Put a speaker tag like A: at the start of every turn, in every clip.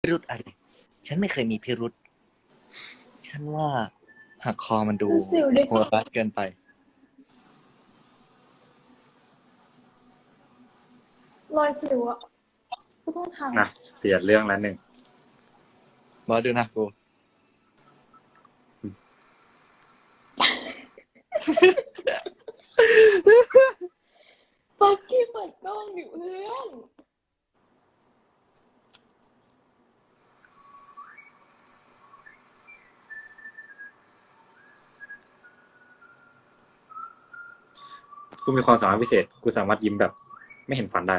A: พิรุธอะไรฉันไม่เคยมีพิรุธฉันว่าหักคอมันดูโหดร้ายเกินไป
B: รอยสิวอ่ะก็ต้องทำ
C: นะเปลี่ยนเรื่องแล้วหนึ่ง
A: มาดูนะกู
B: ปักกี้เปิดกล้องอยู่เพื่อน
C: กูมีความสามารถพิเศษกูสามารถยิ้มแบบไม่เห็นฟันได้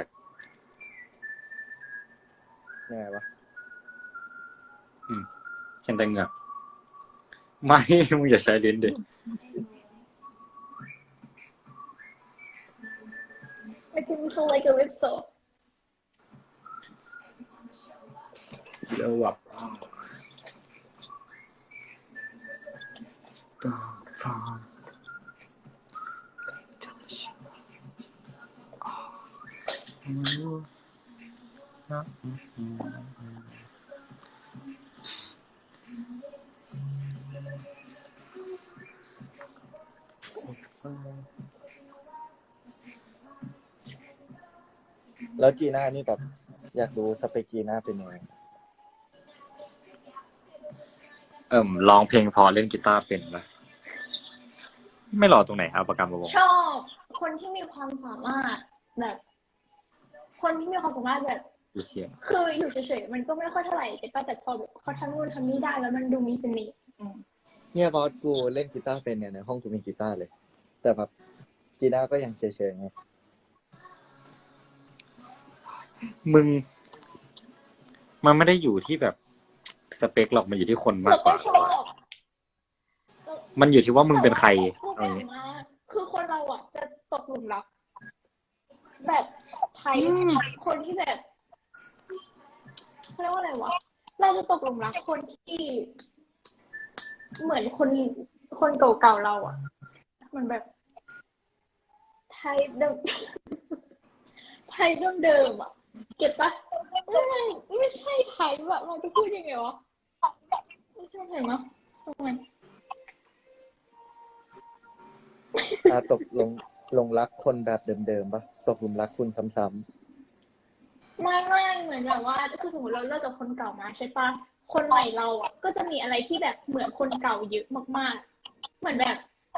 A: ยังไงวะ
C: เห็นแต่เหงือกไม่มึงอย่าใช้ลิ้นดิ
B: ไม่กินเขาเลยกับวิสโซ
C: เดี๋ยวแบบ
A: แล้วจีน่านี่แบบอยากดูสเปคจีน่าเป็นยังไง
C: ร้องเพลงพอเล่นกีตาร์เป็นปะไม่รอตรงไหนเอาประกันมาวง
B: ชอบคนที่มีความสามารถแบบคนที่มีความสามารถแบบคืออยู่เฉยๆมันก็ไม่ค่อยเท่าไหร่แต่พอแบบเขาทำนู่นทำนี่ได้แล้วมันดูมีเสน่ห์
A: เนี่ยบอสกูเล่นกีตาร์เป็นเนี่ยในห้องกูมีกีตาร์เลยแต่แบบจีน่าก็ยังเฉยๆไง
C: มึงมันไม่ได้อยู่ที่แบบสเปคหรอกมันอยู่ที่คนมากกว่ามันอยู่ที่ว่ามึงเป็นใคร
B: คือคนเราอ่ะจะตกหลุมรักแบบไทยคนที่แบบเขาเรียกว่าอะไรวะเราจะตกหลุมรักคนที่เหมือนคนเก่าๆเราอ่ะเหมือนแบบไทยเดิมไทยเดิมอ่ะเก็ตปะไม่ใช่ไทยแบบเราจะพูดยังไงวะไม่ใช่ไทยมั้ยทำไม
A: ตกลงรักคนแบบเดิมๆปะตกหลุมรักคุณซ้ำ
B: ๆไม่เหมือนแบบว่าคือสมมติเราเลิกกับคนเก่ามาใช่ปะคนใหม่เราอ่ะก็จะมีอะไรที่แบบเหมือนคนเก่าเยอะมากๆเหมือนแบบ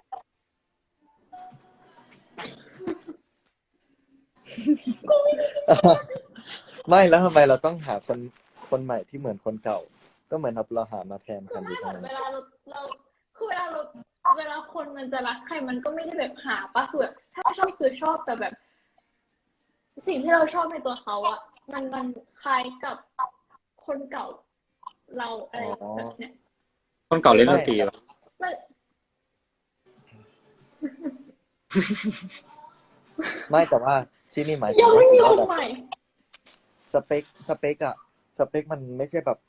A: ไม่แล้วทำไมเราต้องหาคนใหม่ที่เหมือนคนเก่าก็เหมือนเราหามาแทนกันอยู่ตรงนั้น
B: เวลาเราคือเวลาคนมันจะรักใครมันก็ไม่ได้แบบหาปะคือแบบถ้าชอบคือชอบแต่แบบ สิ่งที่เราชอบในตัวเขาอะมันคล้ายกับคนเก่าเราอะไรแบบเนี้ย
C: คนเก่าเล่นดนตรีหรอ
A: ไม่แต่ว่าที่นี่หมายถึ
B: ยัง
A: งว่า
B: ไม่ยอม
A: แบบ
B: ใหม่
A: สเปคอะสเปคมันไม่ใช่แบบ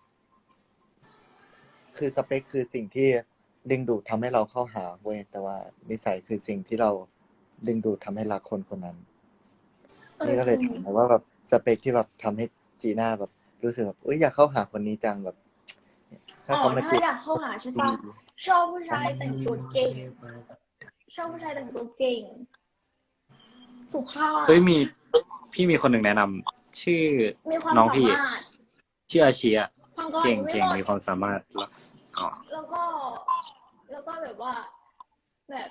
A: คือสเปคคือสิ่งที่ดึงดูดทำให้เราเข้าหาเว้ยแต่ว่านิสัยคือสิ่งที่เราดึงดูดทำให้รักคนคนนั้นนี่ก็เลยถามว่าแบบสเปคที่แบบทำให้จีน่าแบบรู้สึกแบบอยากเข้าหาคนนี้จังแบบถ้าเขามาจีบ
B: อยากเข้าหาใช่ปะชอบผู้ชายแต่งตัวเก่งชอบผู้ชายแต่งตัวเก่งสุภาพ
C: เฮ้ยพี่มีคนหนึ่งแนะนำชื่อน้องพี่ชื่ออาชีอะเก่งมีความสามารถ
B: แล้วก็แบบว่าแบบ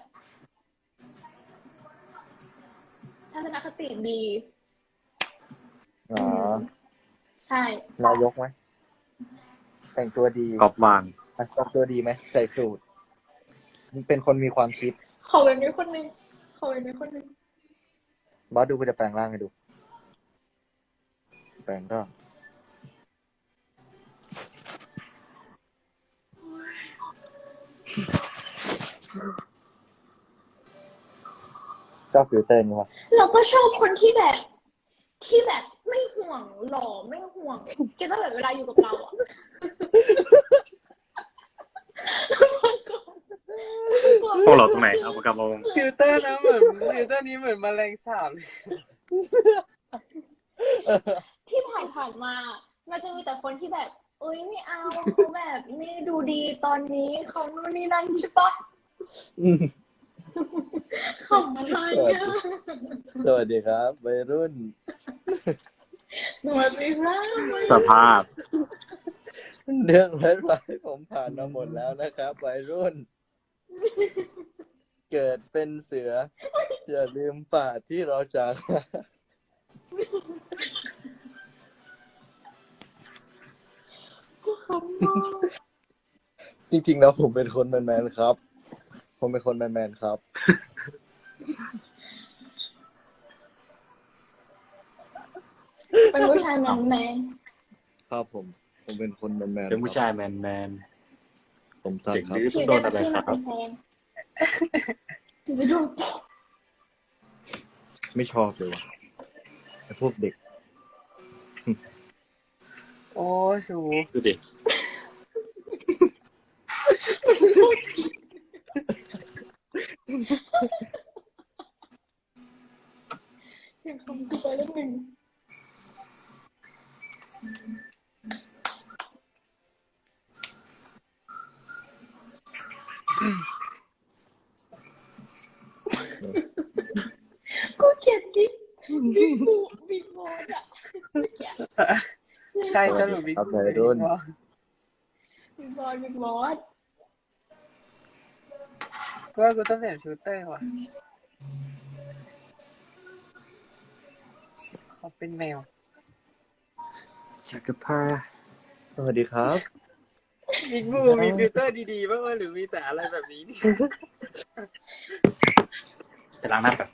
B: ทัศนคติดีใช่
A: นายกไหมแต่งตัวดี
C: กอบวาง
A: แต่งตัวดีไหมใส่สูทเป็นคนมีความคิด
B: ขอเป็นคนนึง
A: บอสดูกูจะแปลงร่างให้ดูแปลงก็ชอบฟิลเตอร์นี่วะ
B: เราก็ชอบคนที่แบบไม่ห่วงหล่อไม่ห่วงเก็ตว่าแบบเวลาอยู่กับเราอ่ะ
C: พวกเราตรงไหนเอาปากกามาวง
D: ฟิลเตอร์นะเหมือนฟิลเตอร์นี้เหมือนแมลงสาบ
B: ที่ผ่านมาแบมันจะมีแต่คนที่แบบเอ้ยไม่เอาเขาแบบไม่ดูดีตอนนี้เขานู่นนี่นั่นใช่ปะ
A: อืม
B: ขำอะไรอ่ะ
A: สวัสดีครับวัยรุ่น
B: สวัสดีครับ
C: สภาพ
A: เรื่องร้ายๆผมผ่านมาหมดแล้วนะครับวัยรุ่น เกิดเป็นเสืออย่าลืมป่าที่เราจากมาจริงๆแล้วผมเป็นคนแมนๆครับ ผมเป็นคนแมนๆครับ
B: เป็นผู้ชายแมนแมน
A: ครับผมเป็นคนแมนๆ
C: เป็นผู้ชายแมน
A: ผมสั้น
C: เด็ก
A: ครับ
C: ดื้อ
B: ๆที่
C: โด
B: ได้
C: นอะไร
B: ที่
C: ค
B: มา
C: รับ
B: เป็นแฟนจะดู
A: ไม่ชอบเลยว่ะไอ้พวกเด็ก
D: โอ้สู
C: ดูดิ
B: เสียงคำกูไปแล้วหนึ่ง กูเกลียดบิ๊กบูบิ๊กบอสอ่ะเกลียด
D: ใครสรุปบิ๊ก
A: ครับ
D: บู
A: วัยรุ่น
B: บิ๊กบอสบิ๊กบอส
D: ว่ากูต้องเปลี่ยนชูเตอร์ว่ะเขาเป็นแมว
C: จักรพรรดิ
A: สวัสดีครับ
D: บิ๊กบูมีฟิลเตอร์ดีๆบ้างไหมหรือมีแต่อะไรแบบนี้นี่
C: ไปล้างหน้าแบบ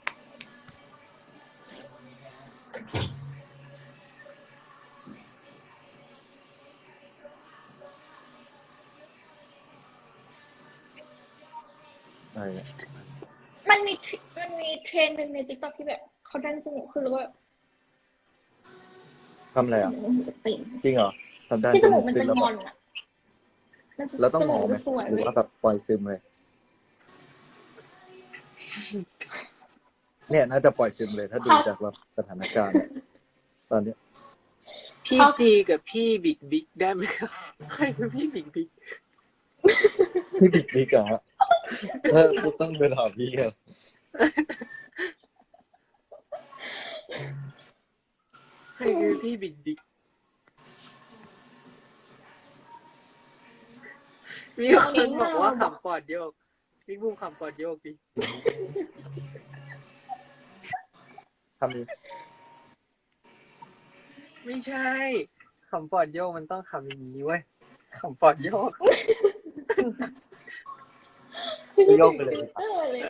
A: อะไรเนี่ย
B: มันมีเทรนด์หนึ่งในติ๊กต็อกที่แบบเขาดันจมูกขึ้นแล้วก็
A: ทำอะไรอ่ะ
B: ติ่ง
A: จริงเหรอทำได้
B: ที่จมูกมัน
A: ขึ้
B: เป็น
A: แล้ว
B: งอนอ่ะ
A: แล้วต้องหมอไหม
B: สวย
A: หรือ
B: เว้ย
A: ว่าแบบปล่อยซึมเลย เนี่ยน่าจะปล่อยซึมเลย ถ้าดูจากแบบสถานการณ์ ตอนเนี้ย
D: พี่จีกับพี่บิ๊กบิ๊กได้ไหมครับใครคือพี่บิ๊กบิ๊ก
A: พี่บิ๊กบิ๊กเหรอฮะถ้าต้องไปถามพี่ครับ
D: ใครคือพี่บิ๊กบิ๊กมีคนบอกว่าขำปอดโยกบิ๊กบูขำปอดโยกดิ
A: ทำนี้
D: ไม่ใช่ขำปอดโยกมันต้องขำอย่างนี้เว้ยขำปอดโยก
A: โยกไปเลย
B: เออเลย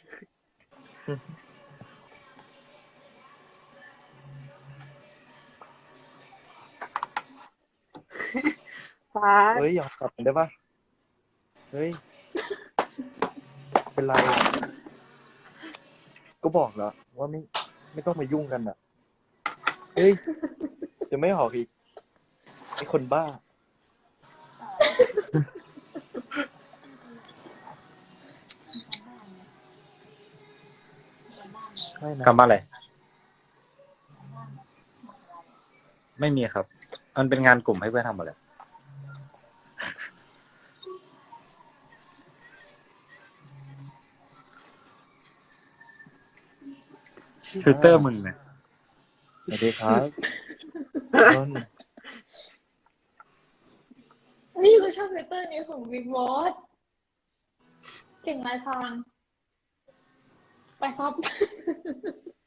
D: ฟ้า
A: เฮ้ยยอมกลับกันได้ปะเฮ้ย เป็นไรอะก็บอกแล้วว่าไม่ต้องมายุ่งกันอ่ะ เฮ้ยจะไม่ออกอีกไอ้คนบ้า ใช่นะ
C: กำบ้านอะไร ไม่มีครับ มันเป็นงานกลุ่มให้เพื่อนทำหมดเลยฟิลเตอร์มึงเนี่ย
A: สวัสดีครับต้น
B: นี่คือชอบเฟเตอร์นี้ของบิ๊กบอสเก่งลายพรางไปครับ